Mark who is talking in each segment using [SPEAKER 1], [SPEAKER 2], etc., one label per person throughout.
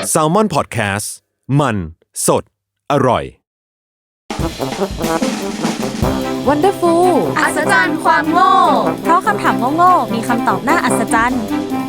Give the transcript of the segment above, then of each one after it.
[SPEAKER 1] Salmon Podcast มันสดอร่อย
[SPEAKER 2] Wonderful
[SPEAKER 3] อัศจรรย์ความโง่
[SPEAKER 2] เพราะคำถามโง่ๆมีคำตอบน่าอัศจรรย์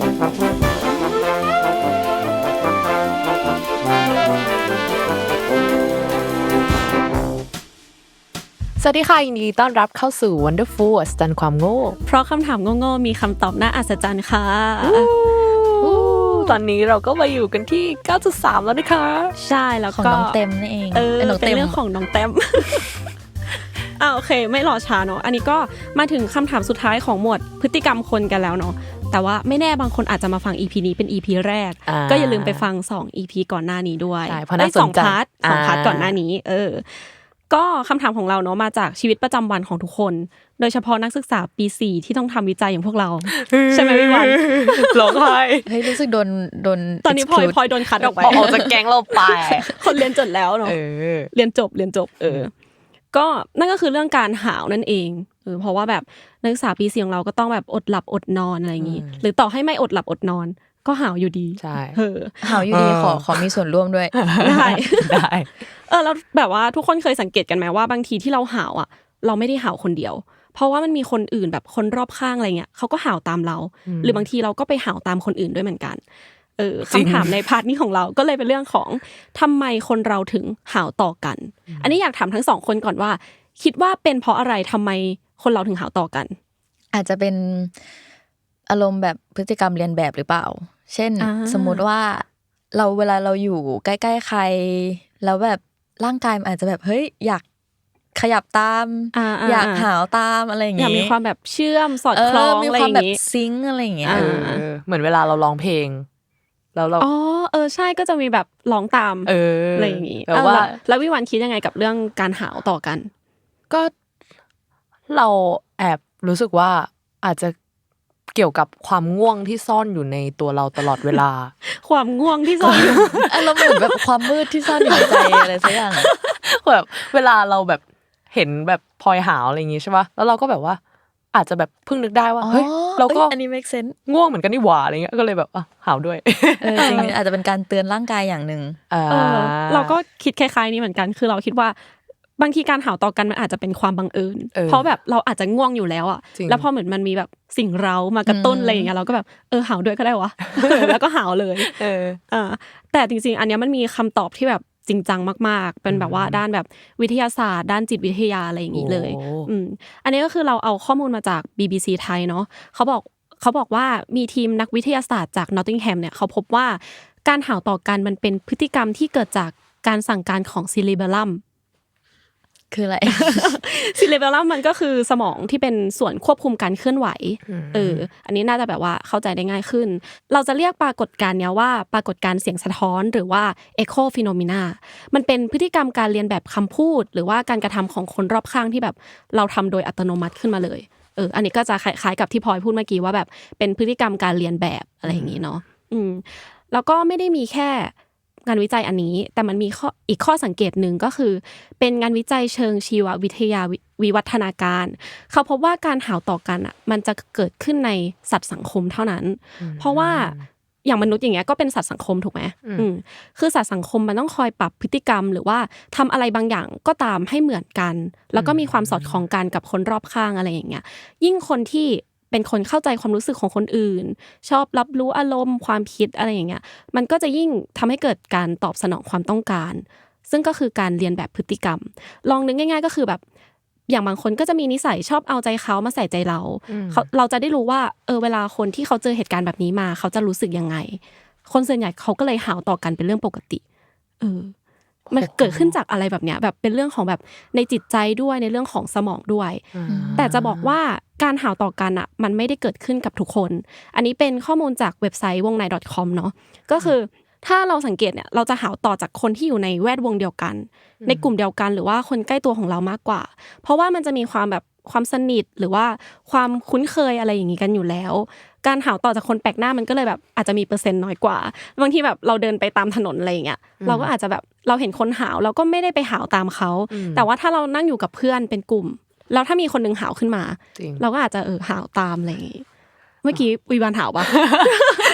[SPEAKER 3] สวัสดีค่ะยินดีต้อนรับเข้าสู่ Wonderful อัศจรรย์ความโง่
[SPEAKER 2] เพราะคำถามโง่ๆมีคำตอบน่าอัศจรรย์ค่ะ
[SPEAKER 3] ตอนนี้เราก็มาอยู่กันที่ 9.3 แล้วนะคะ
[SPEAKER 2] ใช่แล้วก็
[SPEAKER 4] ของน้องเต็มนี่เอง
[SPEAKER 2] เป็นเรื่องของน้องเต็มโอเคไม่รอช้าเนาะอันนี้ก็มาถึงคำถามสุดท้ายของหมวดพฤติกรรมคนกันแล้วเนาะแต่ว่าไม่แน่บางคนอาจจะมาฟัง EP นี้เป็น EP แรกก็อย่าลืมไปฟัง2 EP ก่อนหน้านี้ด้วย2 พาร์ทก่อนหน้านี้ก็คำถามของเราเนาะมาจากชีวิตประจำวันของทุกคนโดยเฉพาะนักศึกษาปี4ที่ต้องทำวิจัยอย่างพวกเราใช่ไหมพี่วัน
[SPEAKER 3] ร้องไห้
[SPEAKER 4] เฮ้ยรู้สึกโดน
[SPEAKER 2] ตอนนี้พลอยโดนคัดออกไป
[SPEAKER 3] ออกจากแก๊งเราไป
[SPEAKER 2] คนเรียนจบแล้วเนาะเรียนจบก็นั่นก็คือเรื่องการหาวนั่นเองเพราะว่าแบบนักศึกษาปี4ของเราก็ต้องแบบอดหลับอดนอนอะไรอย่างงี้หรือต่อให้ไม่อดหลับอดนอนก็หาวอยู่ดี
[SPEAKER 3] ใช่
[SPEAKER 4] หาวอยู่ดีขอมีส่วนร่วมด้วย
[SPEAKER 2] ได้แล้วแบบว่าทุกคนเคยสังเกตกันไหมว่าบางทีที่เราหาวอ่ะเราไม่ได้หาวคนเดียวเพราะว่ามันมีคนอื่นแบบคนรอบข้างอะไรเงี้ยเขาก็หาวตามเราหรือบางทีเราก็ไปหาวตามคนอื่นด้วยเหมือนกันคำถามในพาร์ทนี้ของเราก็เลยเป็นเรื่องของทำไมคนเราถึงหาวต่อกันอันนี้อยากถามทั้ง2คนก่อนว่าคิดว่าเป็นเพราะอะไรทำไมคนเราถึงหาวต่อกัน
[SPEAKER 4] อาจจะเป็นอารมณ์แบบพฤติกรรมเรียนแบบหรือเปล่าเช่นสมมุติว่าเวลาเราอยู่ใกล้ๆใครแล้วแบบร่างกายมันอาจจะแบบเฮ้ยอยากขยับตามอยากหาวตามอะไรอย่างงี้
[SPEAKER 2] อยากมีความแบบเชื่อมสอดคล้องอะไรอย่างงี้มีความแบบ
[SPEAKER 4] ซิงค์อะไรอย่างเงี้ย
[SPEAKER 3] เหมือนเวลาเราร้องเพลงแล้วเรา
[SPEAKER 2] ใช่ก็จะมีแบบร้องตามอะไรอย่างงี้แล้ววิวันคิดยังไงกับเรื่องการหาวต่อกัน
[SPEAKER 3] ก็เราแอบรู้สึกว่าอาจจะเกี่ยวกับความง่วงที่ซ่อนอยู่ในตัวเราตลอดเวลา
[SPEAKER 2] ความง่วงที่ซ่อนอยู่
[SPEAKER 4] เราเหมือนแบบความมืดที่ซ่อนอยู่ในใจอะไรสักอย่าง
[SPEAKER 3] แบบเวลาเราแบบเห็นแบบพลอยหาวอะไรอย่างงี้ใช่ป่ะแล้วเราก็แบบว่าอาจจะแบบเพิ่งนึกได้ว่าเฮ้ยเราก็
[SPEAKER 4] อันนี้ make sense
[SPEAKER 3] ง่วงเหมือนกันนี่หว่าอะไรเงี้ยก็เลยแบบหาวด้วย
[SPEAKER 4] จริงอาจจะเป็นการเตือนร่างกายอย่างนึง
[SPEAKER 2] เราก็คิดคล้ายๆนี้เหมือนกันคือเราคิดว่าบางทีการหาวต่อกันมันอาจจะเป็นความบังเอิญเพราะแบบเราอาจจะง่วงอยู่แล้วอ่ะแล้วพอเหมือนมันมีแบบสิ่งเร้ามากระตุ้นอะไรอย่างเงี้ยเราก็แบบหาวด้วยก็ได้วะแล้วก็หาวเลยแต่จริงๆอันเนี้ยมันมีคำตอบที่แบบจริงจังมากๆเป็นแบบว่าด้านแบบวิทยาศาสตร์ด้านจิตวิทยาอะไรอย่างงี้เลยอันนี้ก็คือเราเอาข้อมูลมาจาก BBC ไทยเนาะเขาบอกว่ามีทีมนักวิทยาศาสตร์จาก Nottingham เนี่ยเขาพบว่าการหาวต่อกันมันเป็นพฤติกรรมที่เกิดจากการสั่งการของซิลิเบลัม
[SPEAKER 4] คืออะไร
[SPEAKER 2] ซิลิเบลัมมันก็คือสมองที่เป็นส่วนควบคุมการเคลื่อนไหวอันนี้น่าจะแบบว่าเข้าใจได้ง่ายขึ้นเราจะเรียกปรากฏการณ์เนี้ยว่าปรากฏการณ์เสียงสะท้อนหรือว่า echo phenomena มันเป็นพฤติกรรมการเรียนแบบคำพูดหรือว่าการกระทำของคนรอบข้างที่แบบเราทำโดยอัตโนมัติขึ้นมาเลยอันนี้ก็จะคล้ายๆกับที่พลอยพูดเมื่อกี้ว่าแบบเป็นพฤติกรรมการเรียนแบบอะไรอย่างนี้เนาะแล้วก็ไม่ได้มีแค่งานวิจัยอันนี้แต่มันมีอีกข้อสังเกตหนึ่งก็คือเป็นงานวิจัยเชิงชีววิทยาวิวัฒนาการเขาพบว่าการหาวต่อกันอ่ะมันจะเกิดขึ้นในสัตว์สังคมเท่านั้นเพราะว่าอย่างมนุษย์อย่างเงี้ยก็เป็นสัตว์สังคมถูกไหมคือสัตว์สังคมมันต้องคอยปรับพฤติกรรมหรือว่าทำอะไรบางอย่างก็ตามให้เหมือนกันแล้วก็มีความสอดคล้องกันกับคนรอบข้างอะไรอย่างเงี้ยยิ่งคนที่เป็นคนเข้าใจความรู้สึกของคนอื่นชอบรับรู้อารมณ์ความคิดอะไรอย่างเงี้ยมันก็จะยิ่งทำให้เกิดการตอบสนองความต้องการซึ่งก็คือการเรียนแบบพฤติกรรมลองนึกง่ายๆก็คือแบบอย่างบางคนก็จะมีนิสัยชอบเอาใจเขามาใส่ใจเราจะได้รู้ว่าเวลาคนที่เขาเจอเหตุการณ์แบบนี้มาเขาจะรู้สึกยังไงคนส่วนใหญ่เขาก็เลยหาวต่อกันเป็นเรื่องปกติมันเกิดขึ้นจากอะไรแบบเนี้ยแบบเป็นเรื่องของแบบในจิตใจด้วยในเรื่องของสมองด้วยแต่จะบอกว่าการหาวต่อกันอ่ะมันไม่ได้เกิดขึ้นกับทุกคนอันนี้เป็นข้อมูลจากเว็บไซต์wongnai.com เนาะก็คือถ้าเราสังเกตเนี่ยเราจะหาวต่อจากคนที่อยู่ในแวดวงเดียวกันในกลุ่มเดียวกันหรือว่าคนใกล้ตัวของเรามากกว่าเพราะว่ามันจะมีความแบบความสนิทหรือว่าความคุ้นเคยอะไรอย่างนี้กันอยู่แล้วการหาวต่อจากคนแปลกหน้ามันก็เลยแบบอาจจะมีเปอร์เซ็นต์น้อยกว่าบางทีแบบเราเดินไปตามถนนอะไรอย่างเงี้ยเราก็อาจจะแบบเราเห็นคนหาวเราก็ไม่ได้ไปหาวตามเขาแต่ว่าถ้าเรานั่งอยู่กับเพื่อนเป็นกลุ่มแล้วถ้ามีคนนึงหาวขึ้นมาเราก็อาจจะหาวตามอะไรอย่างงี้เมื่อกี้วิวานหาวปะ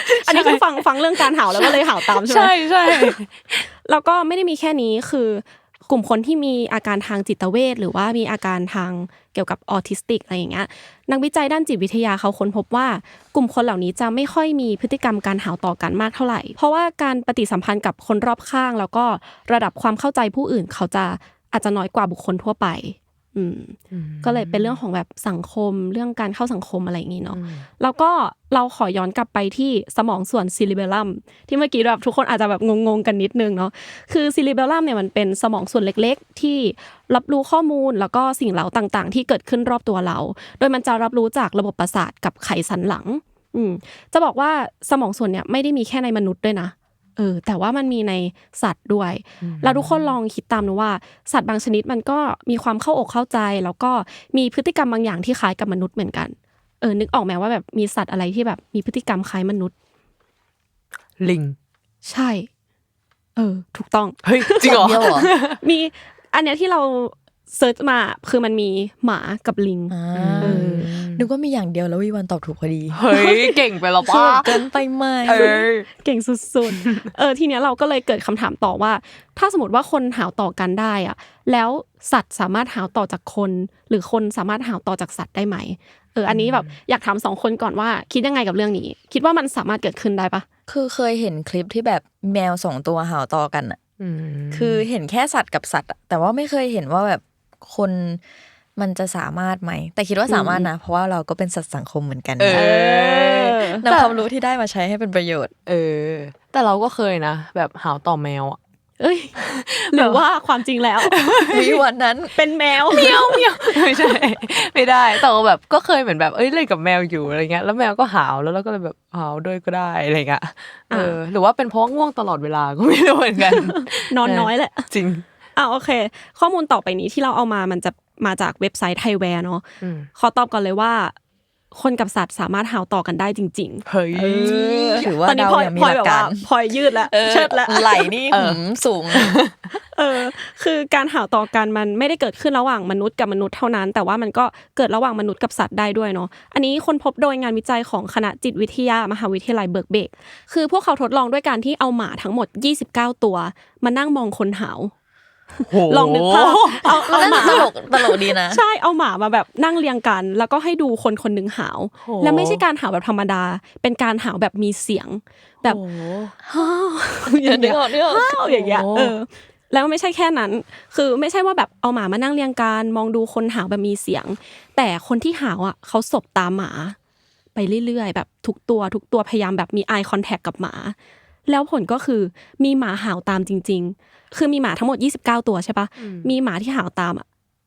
[SPEAKER 2] อันนี้คือฟังเรื่องการเห่าแล้วก็เลยเห่าตามใช่ไหม
[SPEAKER 3] ใช่
[SPEAKER 2] แล้วก็ไม่ได้มีแค่นี้คือกลุ่มคนที่มีอาการทางจิตเวชหรือว่ามีอาการทางเกี่ยวกับออทิสติกอะไรอย่างเงี้ยนักวิจัยด้านจิตวิทยาเขาค้นพบว่ากลุ่มคนเหล่านี้จะไม่ค่อยมีพฤติกรรมการเห่าต่อกันมากเท่าไหร่เพราะว่าการปฏิสัมพันธ์กับคนรอบข้างแล้วก็ระดับความเข้าใจผู้อื่นเขาจะอาจจะน้อยกว่าบุคคลทั่วไปก็เลยเป็นเรื่องของแบบสังคมเรื่องการเข้าสังคมอะไรอย่างงี้เนาะแล้วก็เราขอย้อนกลับไปที่สมองส่วนซิลิเบลัมที่เมื่อกี้แบบทุกคนอาจจะแบบงงๆกันนิดนึงเนาะคือซิลิเบลัมเนี่ยมันเป็นสมองส่วนเล็กๆที่รับรู้ข้อมูลแล้วก็สิ่งเร้าต่างๆที่เกิดขึ้นรอบตัวเราโดยมันจะรับรู้จากระบบประสาทกับไขสันหลังจะบอกว่าสมองส่วนเนี่ยไม่ได้มีแค่ในมนุษย์ด้วยนะแต่ว่ามันมีในสัตว์ด้วยแล้วทุกคนลองคิดตามดูว่าสัตว์บางชนิดมันก็มีความเข้าอกเข้าใจแล้วก็มีพฤติกรรมบางอย่างที่คล้ายกับมนุษย์เหมือนกันนึกออกไหมว่าแบบมีสัตว์อะไรที่แบบมีพฤติกรรมคล้ายมนุษย์
[SPEAKER 3] ลิง
[SPEAKER 2] ใช่ถูกต้อง
[SPEAKER 3] เฮ้ยจริงเหรอ
[SPEAKER 2] มีอันเนี้ยที่เราเซิร์ชมาคือมันมีหมากับลิง
[SPEAKER 4] นึกว่ามีอย่างเดียวแล้ววิวันตอบถูกพอดี
[SPEAKER 3] เฮ้ยเก่งไปแล้วป่ะ
[SPEAKER 4] เกินไปไหม
[SPEAKER 2] เก่งสุดๆทีเนี้ยเราก็เลยเกิดคำถามต่อว่าถ้าสมมติว่าคนหาวต่อกันได้อะแล้วสัตว์สามารถหาวต่อจากคนหรือคนสามารถหาวต่อจากสัตว์ได้ไหมอันนี้แบบอยากถาม2คนก่อนว่าคิดยังไงกับเรื่องนี้คิดว่ามันสามารถเกิดขึ้นได้ปะ
[SPEAKER 4] คือเคยเห็นคลิปที่แบบแมว2ตัวหาวต่อกันอ่ะคือเห็นแค่สัตว์กับสัตว์แต่ว่าไม่เคยเห็นว่าแบบคนมันจะสามารถไหมแต่คิดว่าสามารถนะเพราะว่าเราก็เป็นสัตว์สังคมเหมือนกันนำความรู้ที่ได้มาใช้ให้เป็นประโยชน์
[SPEAKER 3] แต่เราก็เคยนะแบบหาวต่อแมวอ่ะ
[SPEAKER 2] หรือว่าความจริงแล้ว
[SPEAKER 4] มีวันนั้น
[SPEAKER 2] เป็นแมว
[SPEAKER 3] เมียวไม่ใช่ไม่ได้แต่แบบก็เคยเหมือนแบบเล่นกับแมวอยู่อะไรเงี้ยแล้วแมวก็หาวแล้วเราก็เลยแบบหาวด้วยก็ได้อะไรเงี้ยหรือว่าเป็นเพราะง่วงตลอดเวลาก็ไม่รู้เหมือนกัน
[SPEAKER 2] นอนน้อยแหละ
[SPEAKER 3] จริง
[SPEAKER 2] โอเคข้อมูลต่อไปนี้ที่เราเอามามันจะมาจากเว็บไซต์ไทยแวร์เนาะขอตอบก่อนเลยว่าคนกับสัตว์สามารถหาวต่อกันได้จริงๆ
[SPEAKER 3] เฮ้ย
[SPEAKER 4] ถือว่าเรายังมีหลักการ
[SPEAKER 2] พลอยยืดแล้วเชิดแล้ว
[SPEAKER 4] ไหลนี่สูง
[SPEAKER 2] คือการหาวต่อกันมันไม่ได้เกิดขึ้นระหว่างมนุษย์กับมนุษย์เท่านั้นแต่ว่ามันก็เกิดระหว่างมนุษย์กับสัตว์ได้ด้วยเนาะอันนี้คนพบโดยงานวิจัยของคณะจิตวิทยามหาวิทยาลัยเบิร์กเบกคือพวกเขาทดลองด้วยการที่เอาหมาทั้งหมด29ตัวมานั่งมองคนหาวลองนึกภาพเอาหมา
[SPEAKER 4] ตลกดีนะ
[SPEAKER 2] ใช่เอาหมามาแบบนั่งเรียงกันแล้วก็ให้ดูคนคนนึงหาวและไม่ใช่การหาวแบบธรรมดาเป็นการหาวแบบมีเสียงแบบอย่างเงี้ยอย่างเงี้ยแล้วไม่ใช่แค่นั้นคือไม่ใช่ว่าแบบเอาหมามานั่งเรียงกันมองดูคนหาวแบบมีเสียงแต่คนที่หาวอ่ะเขาสบตาหมาไปเรื่อยๆแบบทุกตัวพยายามแบบมี eye contact กับหมาแล้วผลก็คือมีหมาหาวตามจริงๆคือมีหมาทั้งหมด29ตัวใช่ปะมีหมาที่หาวตาม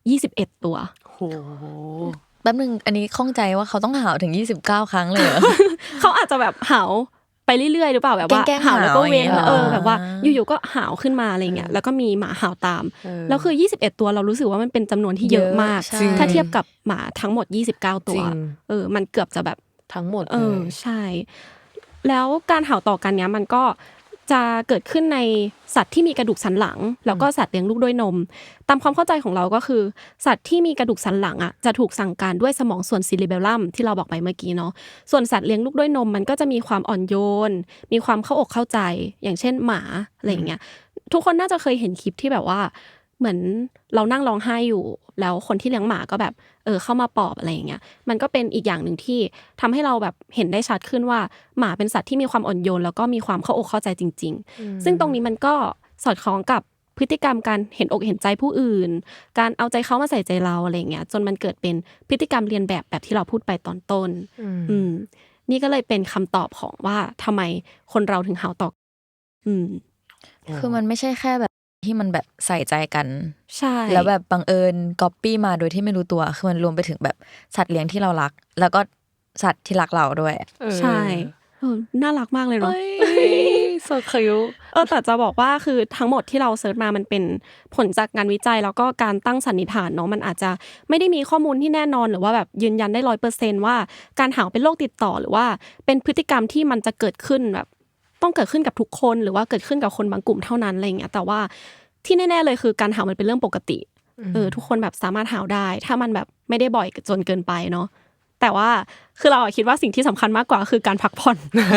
[SPEAKER 2] 21ตัว
[SPEAKER 3] โห
[SPEAKER 4] แป๊บนึงอันนี้ข้องใจว่าเขาต้องหาวถึง29ครั้งเลยเหรอ
[SPEAKER 2] เขาอาจจะแบบหาวไปเรื่อยๆหรือเปล่าแบบว่าหาวแล้วก็เว้นแบบว่าอยู่ๆก็หาวขึ้นมาอะไรเงี้ยแล้วก็มีหมาหาวตามแล้วคือ21ตัวเรารู้สึกว่ามันเป็นจำนวนที่เยอะมากถ้าเทียบกับหมาทั้งหมด29ตัวมันเกือบจะแบบ
[SPEAKER 3] ทั้งหมด
[SPEAKER 2] ใช่แล้วการหาวต่อกันเนี้ยมันก็จะเกิดขึ้นในสัตว์ที่มีกระดูกสันหลังแล้วก็สัตว์เลี้ยงลูกด้วยนมตามความเข้าใจของเราก็คือสัตว์ที่มีกระดูกสันหลังจะถูกสั่งการด้วยสมองส่วนซิลิเบลัมที่เราบอกไปเมื่อกี้เนาะส่วนสัตว์เลี้ยงลูกด้วยนมมันก็จะมีความอ่อนโยนมีความเข้าอกเข้าใจอย่างเช่นหมาอะไรอย่างเงี้ยทุกคนน่าจะเคยเห็นคลิปที่แบบว่าเหมือนเรานั่งร้องไห้อยู่แล้วคนที่เลี้ยงหมาก็แบบเข้ามาปลอบอะไรอย่างเงี้ยมันก็เป็นอีกอย่างนึงที่ทำให้เราแบบเห็นได้ชัดขึ้นว่าหมาเป็นสัตว์ที่มีความอ่อนโยนแล้วก็มีความเข้าอกเข้าใจจริงๆซึ่งตรงนี้มันก็สอดคล้องกับพฤติกรรมการเห็นอกเห็นใจผู้อื่นการเอาใจเขามาใส่ใจเราอะไรอย่างเงี้ยจนมันเกิดเป็นพฤติกรรมเรียนแบบที่เราพูดไปตอนต้นนี่ก็เลยเป็นคำตอบของว่าทำไมคนเราถึงหาวต่อ
[SPEAKER 4] คือมันไม่ใช่แค่แบบที่มันแบบใส่ใจกัน
[SPEAKER 2] ใช่
[SPEAKER 4] แล้วแบบบังเอิญก๊อปปี้มาโดยที่ไม่รู้ตัวคือมันรวมไปถึงแบบสัตว์เลี้ยงที่เรารักแล้วก็สัตว์ที่รักเราด้วย
[SPEAKER 2] ใช่น่ารักมากเลยเนาะ
[SPEAKER 3] so cute
[SPEAKER 2] แต่จะบอกว่าคือทั้งหมดที่เราเสิร์ชมามันเป็นผลจากงานวิจัยแล้วก็การตั้งสันนิษฐานเนาะมันอาจจะไม่ได้มีข้อมูลที่แน่นอนหรือว่าแบบยืนยันได้ 100% ว่าการหาวเป็นโรคติดต่อหรือว่าเป็นพฤติกรรมที่มันจะเกิดขึ้นแบบต้องเกิดขึ้นกับทุกคนหรือว่าเกิดขึ้นกับคนบางกลุ่มเท่านั้นอะไรอย่างเงี้ยแต่ว่าที่แน่ๆเลยคือการหาวมันเป็นเรื่องปกติทุกคนแบบสามารถหาวได้ถ้ามันแบบไม่ได้บ่อยจนเกินไปเนาะแต่ว่าคือเราคิดว่าสิ่งที่สำคัญมากกว่าคือการพักผ่อน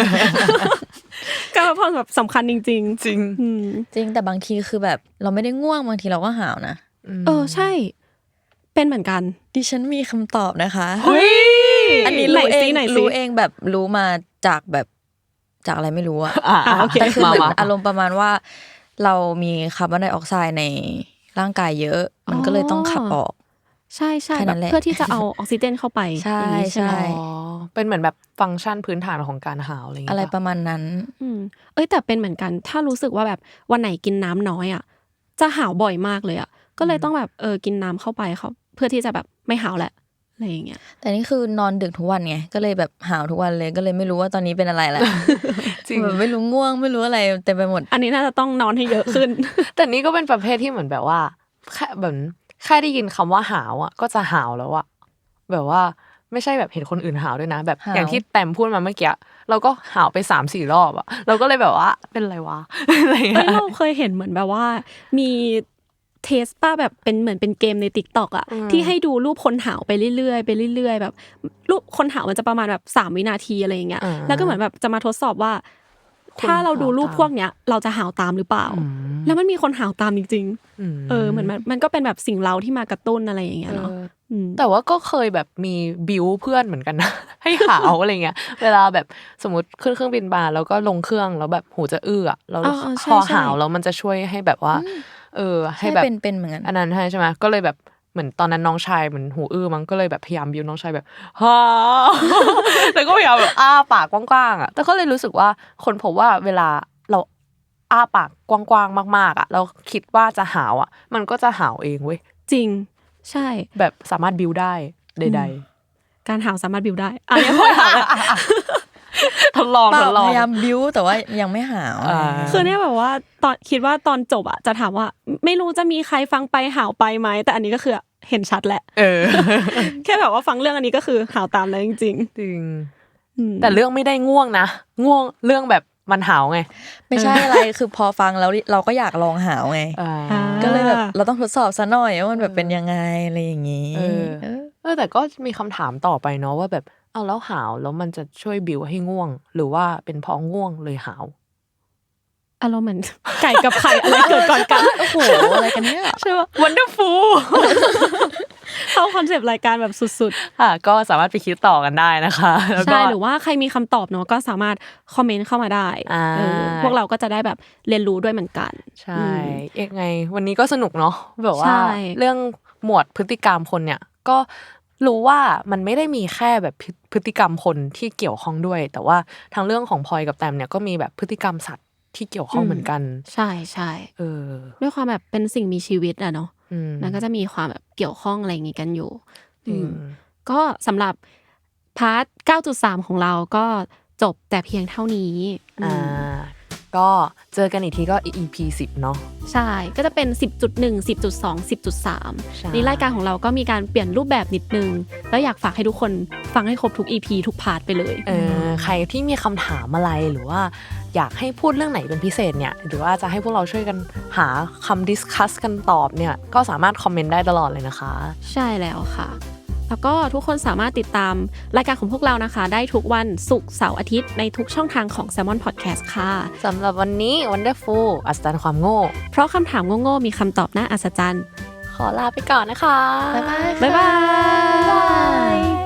[SPEAKER 2] การพักผ่อนแบบสำคัญจริงๆจริง
[SPEAKER 4] จริงแต่บางทีคือแบบเราไม่ได้ง่วงบางทีเราก็หาวนะ
[SPEAKER 2] ใช่เป็นเหมือนกัน
[SPEAKER 4] ดิฉันมีคำตอบนะคะ
[SPEAKER 3] เฮ้ย
[SPEAKER 4] อันนี้รู้เองแบบรู้มาจากแบบจากอะไรไม่รู้อะแต่คือเหมือนอารมณ์ประมาณว่าเรามีคาร์บอนไดออกไซด์ในร่างกายเยอะมันก็เลยต้องขับออก
[SPEAKER 2] ใช่ใช่แบบเพื่อที่จะเอาออกซิเจนเข้าไป
[SPEAKER 4] ใช่ใช่
[SPEAKER 3] เป็นเหมือนแบบฟังก์ชันพื้นฐานของการหาวอะไรอย่างเงี้ย
[SPEAKER 4] อะไรประมาณนั้น
[SPEAKER 2] แต่เป็นเหมือนกันถ้ารู้สึกว่าแบบวันไหนกินน้ำน้อยอ่ะจะหาวบ่อยมากเลยอ่ะก็เลยต้องแบบกินน้ำเข้าไปเขาเพื่อที่จะแบบไม่หาวแหละอะไรอย่างเงี้ย
[SPEAKER 4] แต่นี่คือนอนดึกทุกวันไงก็เลยแบบหาวทุกวันเลยก็เลยไม่รู้ว่าตอนนี้เป็นอะไรแหละจริงแบบไม่รู้ง่วงไม่รู้อะไรเต็มไปหมด
[SPEAKER 2] อันนี้น่าจะต้องนอนให้เยอะขึ้น
[SPEAKER 3] แต่นี่ก็เป็นประเภทที่เหมือนแบบว่าแค่ได้ยินคำว่าหาวอ่ะก็จะหาวแล้วอ่ะแบบว่าไม่ใช่แบบเห็นคนอื่นหาวด้วยนะแบบอย่างที่แต้มพูดมาเมื่อกี้เราก็หาวไป 3-4 รอบอ่ะเราก็เลยแบบว่าเป็นอะไรวะอะไรอย่างเงี้ย
[SPEAKER 2] เราเคยเห็นเหมือนแบบว่ามีเทสป้าแบบเป็นเหมือนเป็นเกมใน TikTok อ่ะที่ให้ดูรูปคนหาวไปเรื่อยๆไปเรื่อยๆแบบรูปคนหาวมันจะประมาณแบบ3วินาทีอะไรอย่างเงี้ยแล้วก็เหมือนแบบจะมาทดสอบว่าถ้าเราดูรูปพวกเนี้ยเราจะหาวตามหรือเปล่าแล้วมันมีคนหาวตามจริงๆเหมือนมันก็เป็นแบบสิ่งเร้าที่มากระตุ้นอะไรอย่างเงี้ยเนาะ
[SPEAKER 3] แต่ว่าก็เคยแบบมีบิวเพื่อนเหมือนกันนะ ให้หาวอะไรเงี้ยเวลาแบบสมมติขึ้นเครื่องบินมาแล้วก็ลงเครื่องแล้วแบบหูจะอื้อแล้วพอหาวแล้วมันจะช่วยให้แบบว่าให้แบบ
[SPEAKER 4] เป็นเหมือนกัน
[SPEAKER 3] อันนั้นใช่ไหมก็เลยแบบเหมือนตอนนั้นน้องชายเหมือนหูอื้อมั้งก็เลยแบบพยายามบิวน้องชายแบบฮ่า แล้วก็พยายามแบบอ้าปากกว้างๆอ่ะแต่ก็เลยรู้สึกว่าคนพบว่าเวลาเราอ้าปากกว้างๆมากๆอ่ะเราคิดว่าจะหาวอ่ะมันก็จะหาวเองเว้ย
[SPEAKER 2] จริงใช่
[SPEAKER 3] แบบสามารถบิวได้ใด
[SPEAKER 2] ๆการหาวสามารถบิวได้อันนี้พอหาว
[SPEAKER 3] ทดลอง
[SPEAKER 4] พยายามบิวแต่ว่ายังไม่หาว
[SPEAKER 2] คือเนี่ยแบบว่าตอนคิดว่าตอนจบอ่ะจะถามว่าไม่รู้จะมีใครฟังไปหาวไปไหมแต่อันนี้ก็คือเห็นชัดแหละแค่แบบว่าฟังเรื่องอันนี้ก็คือหาวตามแล้วจริง
[SPEAKER 3] จริงแต่เรื่องไม่ได้ง่วงนะง่วงเรื่องแบบมันหาวไง
[SPEAKER 4] ไม่ใช่อะไรคือพอฟังแล้วเราก็อยากลองหาวไงก็เลยแบบเราต้องทดสอบซะหน่อยว่ามันแบบเป็นยังไงอะไรอย่างงี้
[SPEAKER 3] แต่ก็มีคำถามต่อไปเนาะว่าแบบเอาแล้วหาวแล้วมันจะช่วยบิวให้ง่วงหรือว่าเป็นเพราะง่วงเลยหาว
[SPEAKER 2] อารมณ์เหมือนไก่กับไข่อะไรเกิดก่อนกัน
[SPEAKER 4] โอ้โหอะไรกันเนี่ย
[SPEAKER 2] ใช่ป่ะ Wonderful เข้าคอนเซปต์รายการแบบสุด
[SPEAKER 3] ๆค่ะก็สามารถไปคิดต่อกันได้นะคะ
[SPEAKER 2] ใช่หรือว่าใครมีคำตอบเนาะก็สามารถคอมเมนต์เข้ามาได้พวกเราก็จะได้แบบเรียนรู้ด้วยเหมือนกัน
[SPEAKER 3] ใช่ยังไงวันนี้ก็สนุกเนาะแบบว่าเรื่องหมวดพฤติกรรมคนเนี่ยก็รู้ว่ามันไม่ได้มีแค่แบบพฤติกรรมคนที่เกี่ยวข้องด้วยแต่ว่าทางเรื่องของพลอยกับแตมเนี่ยก็มีแบบพฤติกรรมสัตว์ที่เกี่ยวข้องเหมือนกัน
[SPEAKER 2] ใช่ใช่ด้วยความแบบเป็นสิ่งมีชีวิตอะเนาะมันก็จะมีความแบบเกี่ยวข้องอะไรอย่างงี้กันอยู่ก็สำหรับพาร์ท 9.3 ของเราก็จบแต่เพียงเท่านี้
[SPEAKER 3] ก็เจอกันอีกทีก็ EP 10เนาะ
[SPEAKER 2] ใช่ก็จะเป็น 10.1 10.2 10.3 นี่รายการของเราก็มีการเปลี่ยนรูปแบบนิดนึงแล้วอยากฝากให้ทุกคนฟังให้ครบทุก EP ทุกพาร์ทไปเลย
[SPEAKER 3] ใครที่มีคำถามอะไรหรือว่าอยากให้พูดเรื่องไหนเป็นพิเศษเนี่ยหรือว่าจะให้พวกเราช่วยกันหาคำดิสคัสกันตอบเนี่ยก็สามารถคอมเมนต์ได้ตลอดเลยนะคะ
[SPEAKER 2] ใช่แล้วค่ะแล้วก็ทุกคนสามารถติดตามรายการของพวกเรานะคะได้ทุกวันศุกร์เสาร์อาทิตย์ในทุกช่องทางของ Salmon Podcast ค่ะ
[SPEAKER 3] สำหรับวันนี้ Wonderful อัศจรรย์ความโง่
[SPEAKER 2] เพราะคำถามโง่ๆมีคำตอบน่าอัศจรรย์
[SPEAKER 3] ขอลาไปก่อนนะคะ
[SPEAKER 2] บ๊ายบาย